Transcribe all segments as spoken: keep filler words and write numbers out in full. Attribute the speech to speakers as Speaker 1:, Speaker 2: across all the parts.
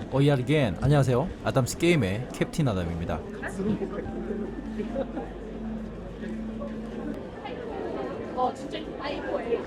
Speaker 1: 어이아르겐 안녕하세요. 아담스 게임의 캡틴 아담입니다.
Speaker 2: 어 진짜 아이고예요.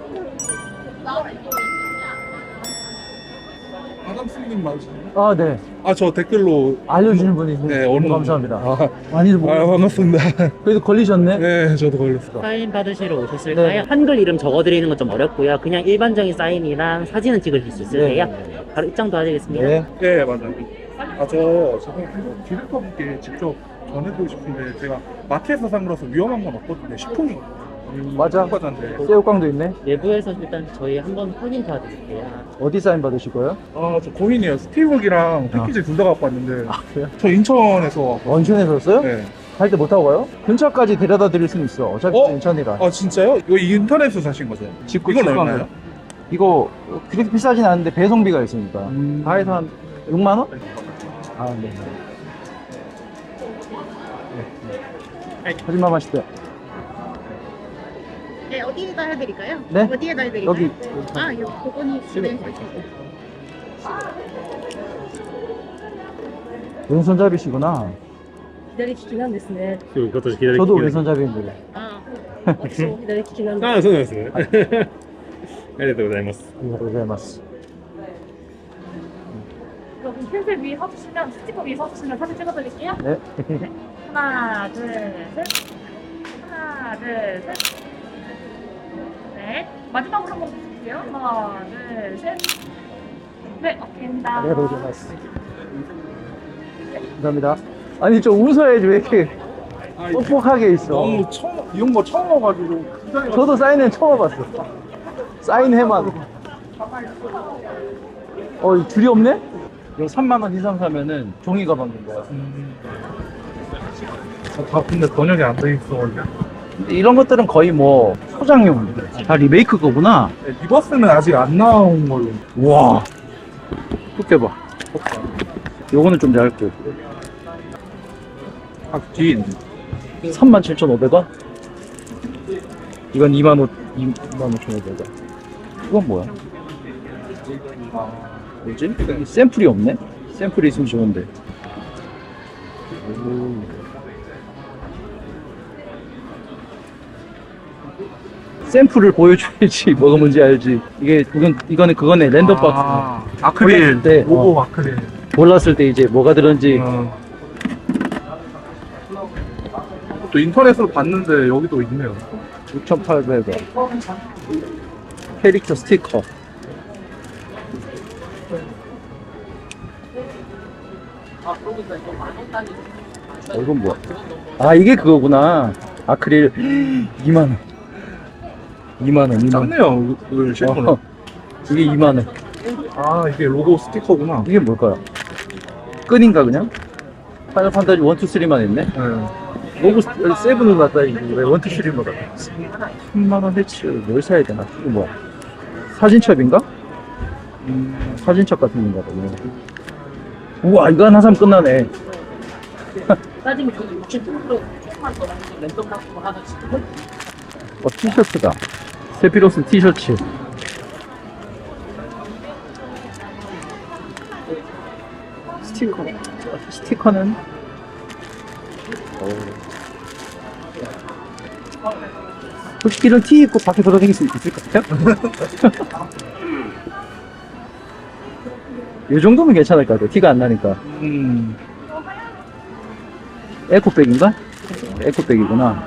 Speaker 3: 아담스님 맞으세요?
Speaker 4: 아, 네.
Speaker 3: 아, 저 댓글로
Speaker 4: 알려주는 분이 있는데
Speaker 3: 네,
Speaker 4: 너무
Speaker 3: 얼른
Speaker 4: 감사합니다.
Speaker 3: 아,
Speaker 4: 많이들 보고
Speaker 3: 아 반갑습니다.
Speaker 4: 그래도 걸리셨네.
Speaker 3: 네, 저도 걸렸어.
Speaker 5: 사인 받으시러 오셨을까요?
Speaker 4: 네.
Speaker 5: 한글 이름 적어드리는 건 좀 어렵고요. 그냥 일반적인 사인이랑 사진은 찍으실 수 있으세요.
Speaker 4: 네.
Speaker 5: 바로 입장 도와드리겠습니다.
Speaker 4: 네.
Speaker 3: 네, 맞아요. 아, 저 저번 디렉터분께 직접 전해드리고 싶은데 제가 마트에서 산 거라서 위험한 건 없거든요. 식품이
Speaker 4: 맞아.
Speaker 3: 과자인데.
Speaker 4: 새우깡도 있네.
Speaker 5: 내부에서 일단 저희 한번 확인 도와드릴게요.
Speaker 4: 어디 사인 받으실 거예요?
Speaker 3: 아, 저 고민이에요. 스티브북이랑 패키지 둘 다 갖고 왔는데.
Speaker 4: 아, 그래요?
Speaker 3: 저 인천에서.
Speaker 4: 원천에서 왔어요?
Speaker 3: 네.
Speaker 4: 할 때 못 타고 가요? 근처까지 데려다 드릴 수는 있어. 어차피
Speaker 3: 어?
Speaker 4: 인천이라.
Speaker 3: 아, 진짜요? 이거 인터넷에서 사신 거죠?
Speaker 4: 직구
Speaker 3: 이건
Speaker 4: 직구한
Speaker 3: 얼마예요?
Speaker 4: 거. 이거 그렇게 비싸진 않은데 배송비가 있으니까.
Speaker 3: 음.
Speaker 4: 다 해서 한 육만 원? 아, 네. 네. 거짓말 마시대요.
Speaker 2: 네 어디에다 해드릴까요?
Speaker 4: 네?
Speaker 2: 어디에다 해드릴까요?
Speaker 4: 여기.
Speaker 2: 아 여기 그거니 네.
Speaker 4: 왼손잡이시구나.
Speaker 2: 기다리시긴 한데
Speaker 6: 이것도 기다리
Speaker 4: 저도 왼손잡이인데.
Speaker 2: 아 어디서 기다리시긴 한데
Speaker 6: ああ、そうなんですね。ありがとうございます。
Speaker 4: 감사합니다.
Speaker 2: 그럼 펜슬 위에 서주시면 스티커 위에 서주시면 사진 찍어드릴게요.
Speaker 4: 네.
Speaker 2: 하나 둘셋 하나 둘셋 네 마지막으로 한번 보실게요. 하나 둘셋네 오케이입니다.
Speaker 4: 네, 감사합니다. 감사합니다. 아니 좀 웃어야지 왜 이렇게 뻑뻑하게 있어.
Speaker 3: 너무 처음, 이런 거 처음 와가지고. 굉장히
Speaker 4: 저도 사인회 처음 와봤어. 사인회만. 어, 이 줄이 없네? 이거 삼만 원 이상 사면은 종이 가방인 거야.
Speaker 3: 음. 아, 다 근데 번역이 안 돼 있어.
Speaker 4: 근데 이런 것들은 거의 뭐 소장용. 다 리메이크 거구나.
Speaker 3: 네, 리버스는 아직 안 나온 걸로.
Speaker 4: 우와. 두께 봐. 요거는 좀 얇고.
Speaker 3: 아, 뒤에 있네.
Speaker 4: 삼만 칠천오백 원? 이건 이만 오, 이만 오천오백 원. 이건 뭐야? 뭐지? 여기 샘플이 없네? 샘플이 있으면 좋은데. 오. 샘플을 보여줘야지 뭐가 뭔지 알지. 이게 이건 이거는 그거네 랜덤 박스.
Speaker 3: 아, 아크릴.
Speaker 4: 몰랐을 때,
Speaker 3: 로고
Speaker 4: 어.
Speaker 3: 아크릴.
Speaker 4: 몰랐을 때 이제 뭐가 들었는지.
Speaker 3: 어. 또 인터넷으로 봤는데 여기도 있네요.
Speaker 4: 육천팔백 원. 캐릭터 스티커. 어, 이건 뭐야? 아, 이게 그거구나. 아크릴 이만 원. 이만 원, 이만 원.
Speaker 3: 작네요, 이걸 실거는.
Speaker 4: 어, 이게 이만 원.
Speaker 3: 아, 이게 로고 스티커구나.
Speaker 4: 이게 뭘까요? 끈인가 그냥? 파이널 판타지 일, 이, 삼만 있네?
Speaker 3: 네.
Speaker 4: 로고 세븐을 갖다 왜 일, 이, 삼을 갖다 삼만 원 해치 뭘 사야 되나? 이거 뭐야? 사진첩인가? 음, 사진첩 같은 건가 봐. 이거. 우와, 이거 하나 사면 끝나네.
Speaker 2: 나중에 그 육십 프로 랜덤 같은 거 하나 찍고
Speaker 4: 어, 티셔츠다. 세피로스 티셔츠. 스티커. 스티커는? 혹시 이런 티 입고 밖에 돌아다닐 수 있을까요? 이 정도면 괜찮을 것 같아요. 티가 안 나니까.
Speaker 3: 음.
Speaker 4: 에코백인가? 에코백이구나.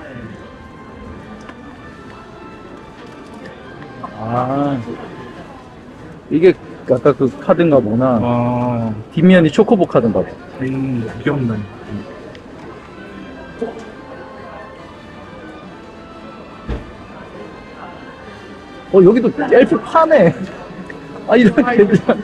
Speaker 4: 아, 이게 아까 그 카드인가 보나.
Speaker 3: 아,
Speaker 4: 뒷면이 초코보 카드인가 봐.
Speaker 3: 음, 귀엽네.
Speaker 4: 어, 여기도 엘피 파네. 아, 이런 괜찮.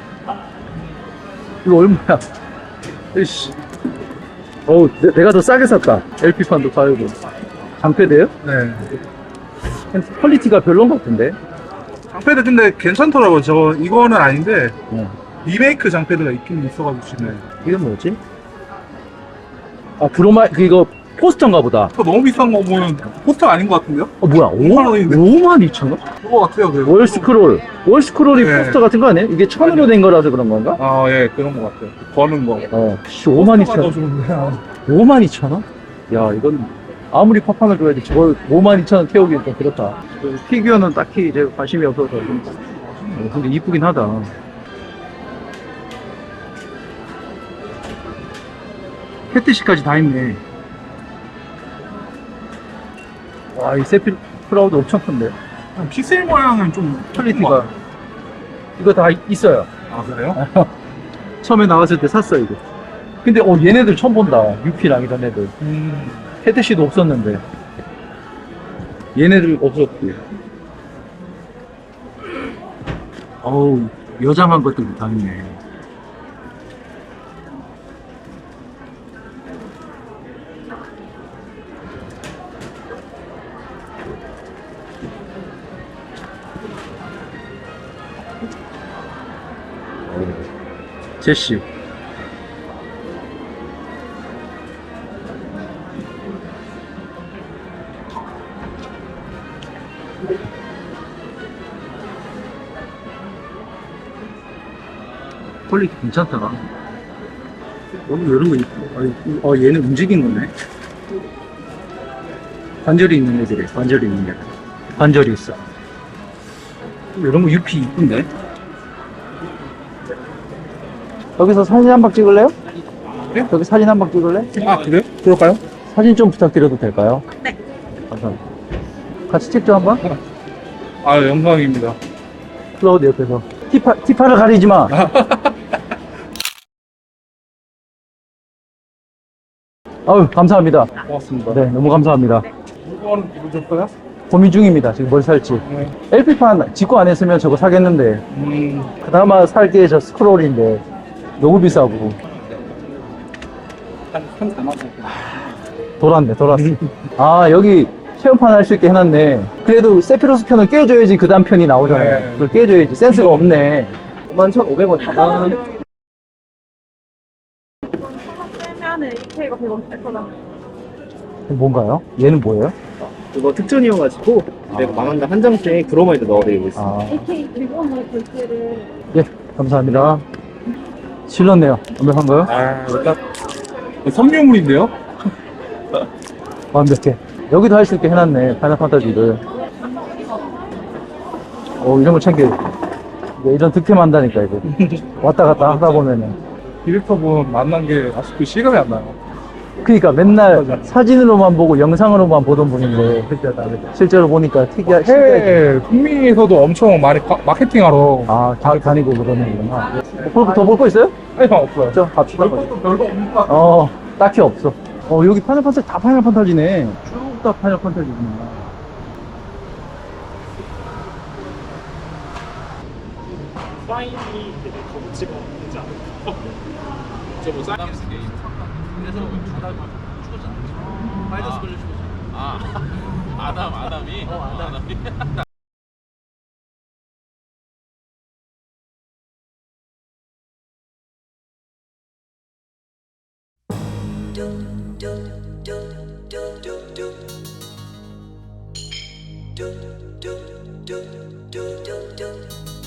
Speaker 4: 이거 얼마야? 이씨. 어우, 내, 내가 더 싸게 샀다. 엘피판도 팔고. 장패대요?
Speaker 3: 네.
Speaker 4: 퀄리티가 별론 것 같은데.
Speaker 3: 장패드 근데 괜찮더라고요. 저, 이거는 아닌데,
Speaker 4: 어.
Speaker 3: 리메이크 장패드가 있긴 있어가지고, 지금.
Speaker 4: 이건 뭐지? 아, 브로마, 그, 이거, 포스터인가 보다.
Speaker 3: 그거 너무 비싼 거 보면 포스터 아닌 것 같은데요?
Speaker 4: 어 뭐야?
Speaker 3: 오만 원인데.
Speaker 4: 오만 이천 원?
Speaker 3: 그거 같아요. 그.
Speaker 4: 월스크롤. 월스크롤이
Speaker 3: 네.
Speaker 4: 포스터 같은 거 아니에요? 이게 천으로 된 거라서 그런 건가?
Speaker 3: 아, 예, 그런 것 같아요. 거는 거.
Speaker 4: 어. 씨, 오만 이천 원.
Speaker 3: 좋은데.
Speaker 4: 오만 이천 원? 야, 이건 아무리 파판을 줘야지 저걸 오만 이천 원 태우기는 좀 그렇다. 그 피규어는 딱히 이제 관심이 없어서. 어, 근데 이쁘긴 하다. 캣티시까지 다 있네. 와, 이 세필 프라우드 엄청 큰데.
Speaker 3: 픽셀 모양은 좀
Speaker 4: 퀄리티가. 이거 다 있어요.
Speaker 3: 아, 그래요?
Speaker 4: 처음에 나왔을 때 샀어, 이거. 근데, 어, 얘네들 처음 본다. 유피랑 이런 애들.
Speaker 3: 음.
Speaker 4: 캣티시도 없었는데. 얘네들 없었고. 어우, 여장한 것들도 다 있네. 제시. 퀄리티 괜찮다. 어, 이런 거 있고. 아, 어, 얘는 움직인 거네. 관절이 있는 애들이 관절이 있는 애. 관절이 있어. 이런 거 유피 이쁜데? 여기서 사진 한 방 찍을래요?
Speaker 3: 네?
Speaker 4: 여기 사진 한 방 찍을래?
Speaker 3: 아, 그래요? 그럴까요?
Speaker 4: 사진 좀 부탁드려도 될까요?
Speaker 2: 네.
Speaker 4: 감사합니다. 같이 찍죠, 한 번?
Speaker 3: 아, 영광입니다.
Speaker 4: 클라우드 옆에서. 티파, 티파를 가리지 마! 아유, 감사합니다.
Speaker 3: 고맙습니다.
Speaker 4: 네, 너무 감사합니다.
Speaker 3: 물건은 이루셨어요?
Speaker 4: 고민 중입니다. 지금 뭘 살지.
Speaker 3: 네.
Speaker 4: 엘피판 직구 안 했으면 저거 사겠는데,
Speaker 3: 음.
Speaker 4: 그나마 살 게 저 스크롤인데, 너무 비싸고.
Speaker 3: 한, 한 사만 원.
Speaker 4: 돌았네, 돌았어. 아, 여기 체험판 할 수 있게 해놨네. 그래도 세피로스 편을 깨줘야지 그 다음 편이 나오잖아요.
Speaker 3: 네.
Speaker 4: 그걸 깨줘야지. 센스가 없네. 오만 천오백 원.
Speaker 2: 빼면은 이케이가 백 원 뺄 거잖아.
Speaker 4: 뭔가요? 얘는 뭐예요?
Speaker 5: 그거 특전이어가지고 내가 망한다 한정씩 브로마이드 넣어드리고 있어.
Speaker 4: 아,
Speaker 2: 에이케이 백 원의 결제를
Speaker 4: 예, 감사합니다. 실렀네요. 완벽한가요?
Speaker 3: 아, 일단. 선묘물인데요?
Speaker 4: 완벽해. 여기도 할 수 있게 해놨네. 파이널 판타지를. 어, 이런 거 챙겨. 이제 이런 득템 한다니까, 이거. 왔다 갔다 하다 보면은.
Speaker 3: 디렉터분 만난 게 아직도 실감이 안 나요.
Speaker 4: 그니까 맨날
Speaker 3: 맞아.
Speaker 4: 사진으로만 보고 영상으로만 보던 분인데, 실제로 보니까 특이하, 신기하지.
Speaker 3: 해외 북미에서도 엄청 많이 가- 마케팅하러.
Speaker 4: 아, 다, 다니고 그러는구나. 뭐, 더 볼 거 있어요?
Speaker 3: 아니, 없어요.
Speaker 4: 저, 갑시다.
Speaker 3: 별것도 별거 없는 것 같아요.
Speaker 4: 어, 딱히 없어. 어, 여기 파이널 판타지 다 파이널 판타지네. 쭉 다 파이널 판타지구나.
Speaker 6: 사인이 되게 거부치가 되지 않을까? 저뭐 사인
Speaker 1: 그래서 아담이 죽었잖아. 파이더스 걸려 죽었잖아. 아, 아담, 아담이? 어, 아담이.
Speaker 7: do do do do do do